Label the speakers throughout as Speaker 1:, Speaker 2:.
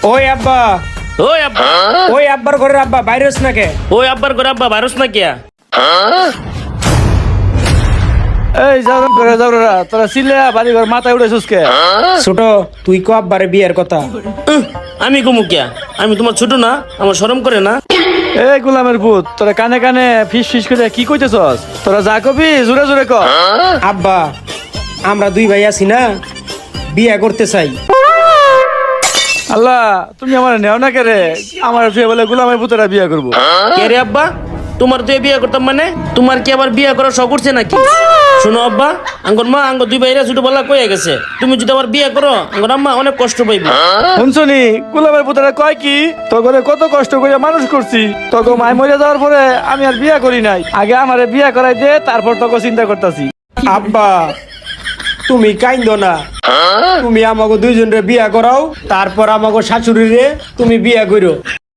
Speaker 1: ওই আব্বা,
Speaker 2: ওই আব্বা,
Speaker 1: ওই আব্বার ঘরের আব্বা বাইরেস না কে?
Speaker 2: ওই আব্বার করে আব্বা ভাইরাস না কিয়া?
Speaker 3: এই যাও করে যাও রে, তোরা সিলে বাড়ি ঘর মাথায় উঠেছিস কে?
Speaker 1: ছোট, তুই কো আব্বারে বিয়ের কথা?
Speaker 2: আমি কমু কিয়া? আমি তোমার ছোট না? আমার শরম করে না?
Speaker 3: এই গোলামের পুত, তোরা কানে কানে ফিস ফিস করে কি কইতেছস? তোরা যা কবি জোরে জোরে ক।
Speaker 1: আব্বা, আমরা দুই ভাই আছি না, বিয়ে করতে চাই।
Speaker 3: আল্লাহ, তুমি আমার নেও না কে রে? আমার ফিরে বলে গোলামের পুতরা বিয়ে করবো।
Speaker 2: কে রে আব্বা? তোমার তো বিয়ে করতাম মানে? তোমার কি আবার বিয়ে করার শখ করছে নাকি? শোনো আব্বা, আঙ্গর মা আঙ্গর দুই ভাইরা ছোটবেলা কয়ে গেছে, তুমি যদি আবার বিয়ে করো আঙ্গর আম্মা অনেক কষ্ট পাইবে।
Speaker 3: শুনছনি গোলামের পুতরা কয় কি? তোকে কত কষ্ট করে মানুষ করছি, তোকে মায় মরে যাওয়ার পরে আমি আর বিয়ে করি নাই। আগে আমারে বিয়ে করাই দে, তারপর তোকে চিন্তা করতেছি।
Speaker 1: আব্বা, তুমি কাইন্দো না, তুমি আমাকে দুইজনরে বিয়া করাও, তারপর আমাকে শাশুড়িরে তুমি বিয়া করো।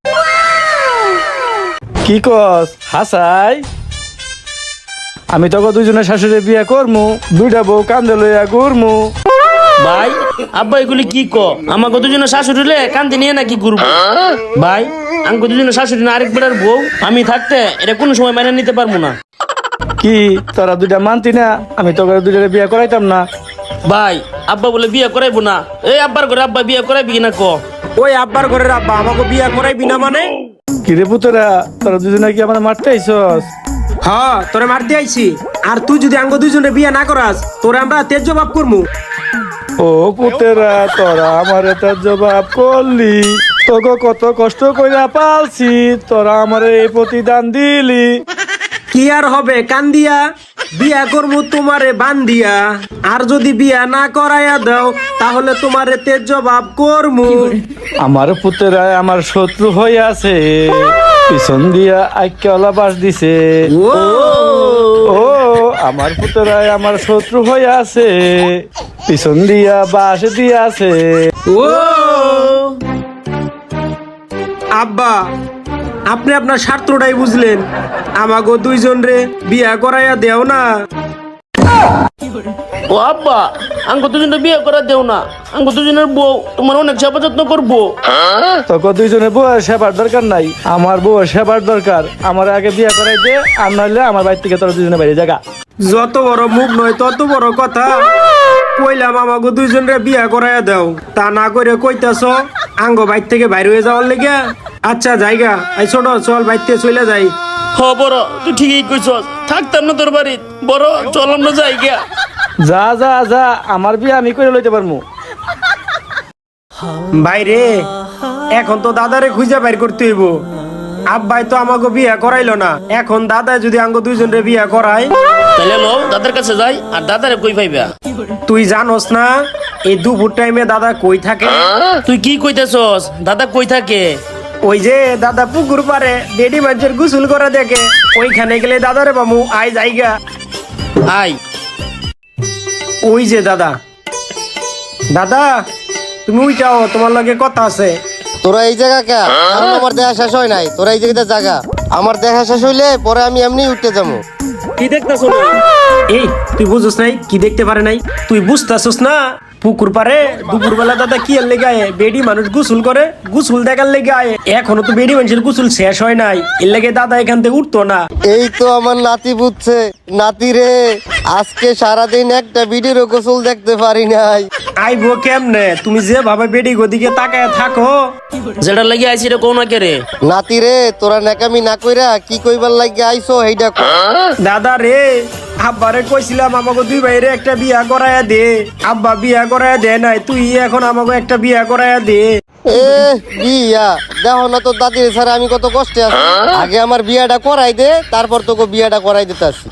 Speaker 3: কি কস হাসাই? আমি তোকে দুইজনের শাশুড়ি বিয়ে করমু, দুইটা বউ কান্দে লইয়া ঘুরমু।
Speaker 2: ভাই আব্বা এগুলি কি ক? আমাকে দুজনে শাশুড়ি লে কান্দি নিয়ে নাকি ঘুরবো? ভাই আমাকে দুজনে শাশুড়ি না আরেক বেড়ার বউ আমি থাকতে এটা কোনো সময় মেনে নিতে পারবো না।
Speaker 3: কি তোরা দুইটা মানতি না? আমি তোকে দুইটারে বিয়ে করাইতাম না?
Speaker 2: ভাই আব্বা বলে বিয়ে করাইবো না। এই আব্বার করে আব্বা বিয়ে করাইবি কিনা ক?
Speaker 1: ওই আব্বার ঘরের আব্বা আমাকে বিয়া করাইবি না মানে?
Speaker 3: কিরে পুতরা, তোরা দুজনে কি আমার মারতে আইসস?
Speaker 1: হ্যাঁ, তোরে মারতে আইছি। আর তুই যদি আঙ্গ দুইজনে বিয়া না করাস, তোরে আমরা তেজ জবাব করমু।
Speaker 3: ও পুতেরা, তোরা আমারে তার জবাব করলি, তোকে কত কষ্ট কইরা পালছি, তোরা আমারে এই প্রতিদান দিলি।
Speaker 1: কি আর হবে কান্দিয়া? বিয়া করমু তোমারে বান্দিয়া। আর যদি বিয়া না করাইয়া দাও, তাহলে তোমারে তেজ জবাব করমু।
Speaker 3: আমার পুতেরা আমার শত্রু হয়ে আছে, পিছন দিয়া আইক্যলা বাস দিছে। ও আমার পুতেরায় আমার শত্রু হয়ে আছে, পিছন দিয়া বাস দিয়া আছে।
Speaker 1: ও আব্বা, আপনি আপনার স্বার্থটাই বুঝলেন, আমাগো দুইজন রে বিয়া করাইয়া দেও না।
Speaker 2: ও আব্বা, আঙ্গো দুজনে বিয়ে করা দেও না। আঙ্গো দুজনের বউ তোমার অনেক সেবা যত্ন করবো।
Speaker 3: তোকে দুইজনে বউয়ের সেবার দরকার নাই, আমার বউয়ের সেবার দরকার। আমার আগে বিয়ে করাই দে, আর নইলে আমার বাড়ি থেকে তোরা দুজনে বাইরে জায়গা।
Speaker 1: যত বড় মুখ নয় তত বড় কথা। কইলাম আমাগো দুইজন রে বিয়া করাইয়া দাও, তা না করে কইতাছ আঙ্গো বাইর থেকে বাইরে হয়ে যাওয়ার লেগে। আচ্ছা জায়গা, এই ছোট চল বাইর থেকে চলে যাই।
Speaker 2: হ বড়, তুই ঠিকই কইছস, থাকতাম না তোর বাড়িত। বড় চল আমরা যাই গিয়া।
Speaker 3: যা যা যা, আমার বিয়ে আমি করে লইতে পারমু।
Speaker 1: বাইরে এখন তো দাদারে খুঁজে বাইর করতে হইব। আব্বাই তো আমাকে বিয়া করাইলো না, এখন দাদা যদি আঙ্গো দুইজন রে বিয়া করায়,
Speaker 2: তাহলে লো দাদার কাছে যাই, আর দাদারে কই পাইবা?
Speaker 1: তুই জানোস না এই দুপুর টাইমে দাদা কই থাকে?
Speaker 2: তুই কি কইতেছস? দাদা কই থাকে?
Speaker 1: ওই যে দাদা পুকুর পারে বেডি মাছের গোসল করে দেখে, ওইখানে গেলে দাদারে বামু আই জায়গা।
Speaker 2: আই
Speaker 1: ওই যে দাদা, দাদা তুমি উইটাও, তোমার লগে কথা আছে।
Speaker 4: তোরা এই জায়গা কে? কারণ আমার দেখা শেষ হয় নাই, তোরা এই জায়গাতে জায়গা। আমার দেখা শেষ হইলে পরে আমি এমনি উঠতে যাবো।
Speaker 1: কি দেখতেছ না? এই তুই বুঝছ নাই? কি দেখতে পারে নাই? তুই বুঝতেছস না? পুকুর পারে দুপুর বেলা দাদা কি এর লেগে আয়? বেডি মানুষ গোসল করে, গোসল দেখার লেগে আয়। এখনো তো বেডি মানুষের গোসল শেষ হয় নাই, এর লেগে দাদা এখান থেকে উঠতো না।
Speaker 4: এই তো আমার নাতি বুঝছে। নাতি রে, আজকে সারাদিন একটা ভিডিওর গোসল দেখতে পারি নাই।
Speaker 1: আইবো কেমনে? তুমি যে ভাবে বেডি গদিকে তাকায় থাকো।
Speaker 2: যেটা লাগি আইছি রে কোন না কে রে?
Speaker 4: নাতি রে, তোরা নাকামি না কইরা কি কইবার লাগি আইছো এইটা কর।
Speaker 1: দাদা রে, আব্বারে কইছিলাম আমাকে দুই ভাইরে একটা বিয়া করায়া দে। আব্বা বিয়া করায়া দে নাই, তুই এখন আমাকে একটা বিয়া করায়া দে।
Speaker 4: এ বিয়া দেখো না তোর দাদির ছাড়া আমি কত কষ্টে আছি। আগে আমার বিয়াটা করাই দে, তারপর তোকে বিয়াটা করাই দিতে আসি।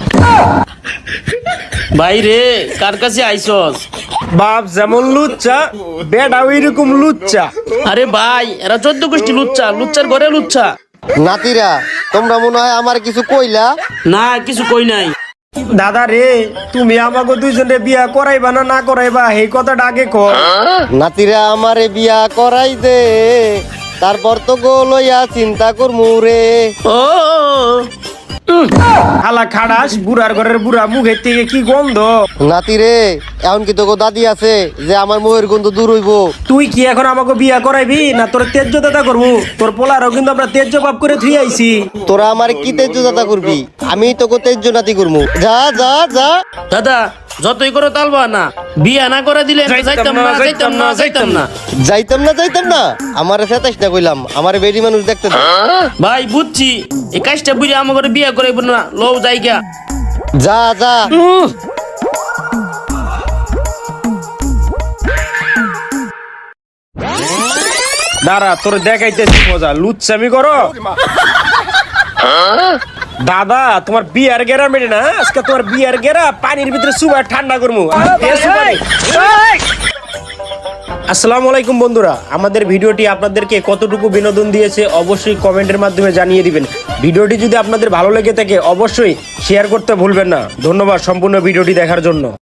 Speaker 2: ভাই রে, কার কাছে আইছস?
Speaker 1: বাপ যেমন লুচ্চা, বেটা ওইরকম লুচ্চা।
Speaker 2: আরে ভাই, এরা 14 গোষ্ঠী লুচ্চা, লুচ্চার ঘরে লুচ্চা।
Speaker 4: নাতিরা, তোমরা মনে হয় আমার কিছু কইলা।
Speaker 2: না কিছু কই নাই।
Speaker 1: দাদা রে, তুমি আমাকে দুইজনে বিয়া করাইবা না না করাইবা এই কথাটা আগে কর।
Speaker 4: নাতিরা আমারে বিয়া করাই দে, তারপর তো গো লইয়া চিন্তা করমু রে।
Speaker 2: ও
Speaker 1: হালা খাড়াস বুড়ার ঘরের বুড়া মুখের থেকে কি গন্ধ।
Speaker 4: নাতি রে, এখন কি তোকে দাদি আছে যে আমার মুখের গন্ধ দূর হইব?
Speaker 1: তুই কি এখন আমাকে বিয়া করাইবি না তোর তেজ্য দাদা করবো? তোর পোলারও কিন্তু আমরা তেজ্য বাপ করে থুই আইছি।
Speaker 4: তোরা আমার কি তেজ্য দাদা করবি? আমি তোকে তেজ্য নাতি করবো। যা যা যা।
Speaker 2: দাদা যতই করো তালবা না, বিয়া না করে দিলে যাইতাম না।
Speaker 4: যাইতাম না আমার ফেতাস না কইলাম, আমার বেডি মানুষ দেখতে দে।
Speaker 2: ভাই বুঝছি এই কাজটা বুঝে আমাকে বিয়া করাইব না, লও জায়গা।
Speaker 4: যা যা।
Speaker 1: দাঁড়া তোর দেখাইতেছি মজা, লুচ্চামি করো। দাদা তোমার বিয়ার গেরা মেটে না, আজকে তোমার বিয়ার গেরা পানির ভিতরে সুবা ঠান্ডা করবো। আসসালামু আলাইকুম বন্ধুরা, আমাদের ভিডিওটি আপনাদেরকে কতটুকু বিনোদন দিয়েছে অবশ্যই কমেন্টের মাধ্যমে জানিয়ে দিবেন। ভিডিওটি যদি আপনাদের ভালো লেগে থাকে অবশ্যই শেয়ার করতে ভুলবেন না। ধন্যবাদ সম্পূর্ণ ভিডিওটি দেখার জন্য।